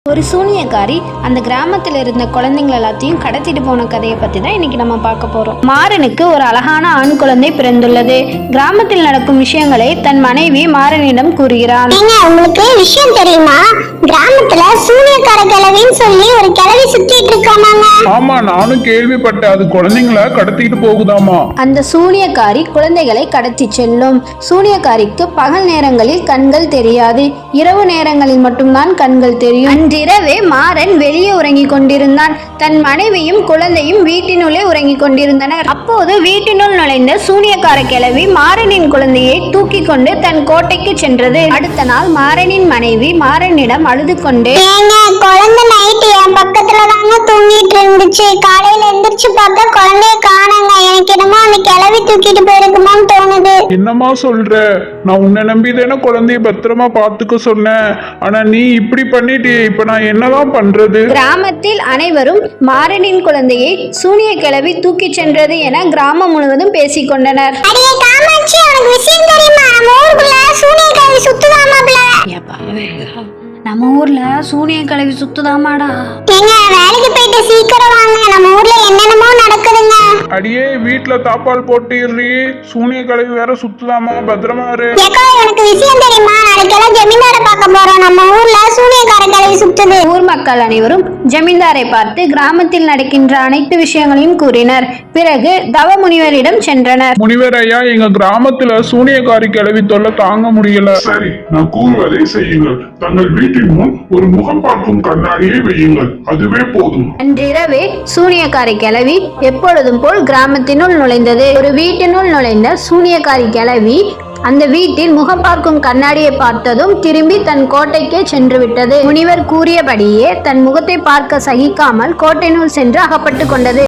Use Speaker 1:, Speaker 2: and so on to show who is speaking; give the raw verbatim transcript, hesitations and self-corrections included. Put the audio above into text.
Speaker 1: ஒரு சூனியக்காரி அந்த கிராமத்தில் இருந்த குழந்தைங்கள் எல்லாத்தையும் கடத்திட்டு போன கதையை பற்றி தான் இன்னைக்கு நம்ம பார்க்க போகிறோம். மாறனுக்கு ஒரு அழகான ஆண் குழந்தை பிறந்துள்ளது. கிராமத்தில் நடக்கும் விஷயங்களை தன் மனைவி மாறனிடம் கூறுகிறான்.
Speaker 2: உங்களுக்கு விஷயம் தெரியுமா? கிராமத்துல சூனியக்கார கிழவின்னு சொல்லி ஒரு கிழவி சுத்திட்டு இருக்காமாங்க.
Speaker 3: ஆமா, நானும் கேள்விப்பட்டேன். அது குழந்தைங்களை கடத்திட்டு போகுதாமா.
Speaker 1: அந்த சூனியக்காரி குழந்தைகளை கடத்தி செல்லும். சூனியக்காரிக்கு பகல் நேரங்களில் கண்கள் தெரியாது, இரவு நேரங்களில் மட்டும்தான் கண்கள் தெரியும். அன்றிரவே மாறன் வெளியே உறங்கிக் கொண்டிருந்தான். தன் மனைவியும் குழந்தையும் வீட்டினுள்ளே உறங்கிக் கொண்டிருந்தனர். அப்போது வீட்டினுள் நுழைந்த சூனியக்கார கிழவி மாறனின் குழந்தையை தூக்கி கொண்டு தன் கோட்டைக்கு சென்றது. அடுத்த நாள் மாறனின் மனைவி மாறனிடம் அழுது கொண்டு,
Speaker 2: குழந்தை நைட்டு என் பக்கத்துல தாங்க தூங்கிட்டு இருந்துச்சு. காலையில எந்திரிச்சு பார்த்தா குழந்தைய காணங்க. எனக்கு என்னமோ அந்த கிழவி தூக்கிட்டு போயிருக்குமான்னு தோணுது.
Speaker 3: என்னமா சொல்ற? நான் உன்னை நம்பி தானே குழந்தைய பத்திரமா பாத்துக்க சொன்னேன். ஆனா நீ இப்படி பண்ணிட்டு இப்ப நான் என்னதான் பண்றது?
Speaker 1: கிராமத்தில் அனைவரும் மாறனின் குழந்தையை சூனிய கிழவி தூக்கி சென்றது என கிராமம் முழுவதும் பேசிக் கொண்டனர்.
Speaker 2: அடியே காமாட்சி, உனக்கு விஷயம் தெரியுமா? நம்ம ஊருக்குள்ள சூனிய கிழவி சுத்துதாமாப்ல.
Speaker 1: நம்ம ஊர்ல சூனிய கிழவி சுத்துதாமாடா.
Speaker 2: ஏங்க, வேலைக்கு போயிட்டு சீக்கிரம் வாங்க. நம்ம ஊர்ல என்னென்னமோ நடக்குதுங்க.
Speaker 3: அடியே, வீட்டுல தாப்பால் போட்டுறி. சூனிய கலவி வேற சுத்துதாமா, பத்திரமா இரு.
Speaker 2: ஏக்கா, எனக்கு விஷயம் தெரியுமா? நாளைக்கெல்லாம் ஜமீன்தார பார்க்க போறோம். நம்ம ஊர்ல சூனியக்கார கிழவி சுத்துது.
Speaker 1: ஊர் மக்கள் அனைவரும் ஜமீன்தாரை பார்த்து கிராமத்தில் நடக்கின்ற அனைத்து விஷயங்களையும் கூறினர். பிறகு தவ முனிவரிடம் சென்றனர்.
Speaker 3: முனிவர் ஐயா, எங்க கிராமத்துல சூனியக்காரி கிளவி தொல்லை தாங்க முடியல.
Speaker 4: சரி, நான் கூறுவதை செய்யுங்கள். தங்கள் வீட்டின் முன் ஒரு முகம் பார்க்கும் கண்ணாடியை வையுங்கள். அதுவே போதும்.
Speaker 1: அன்றிரவே சூனியக்காரி கிழவி எப்பொழுதும் போல் கிராமத்தினுள் நுழைந்தது. ஒரு வீட்டினுள் நுழைந்த சூனியக்காரி கிழவி அந்த வீட்டில் முகம் பார்க்கும் கண்ணாடியை பார்த்ததும் திரும்பி தன் கோட்டைக்கே சென்று விட்டது. முனிவர் கூறியபடியே தன் முகத்தை பார்க்க சகிக்காமல் கோட்டையினுள் சென்று அகப்பட்டு கொண்டது.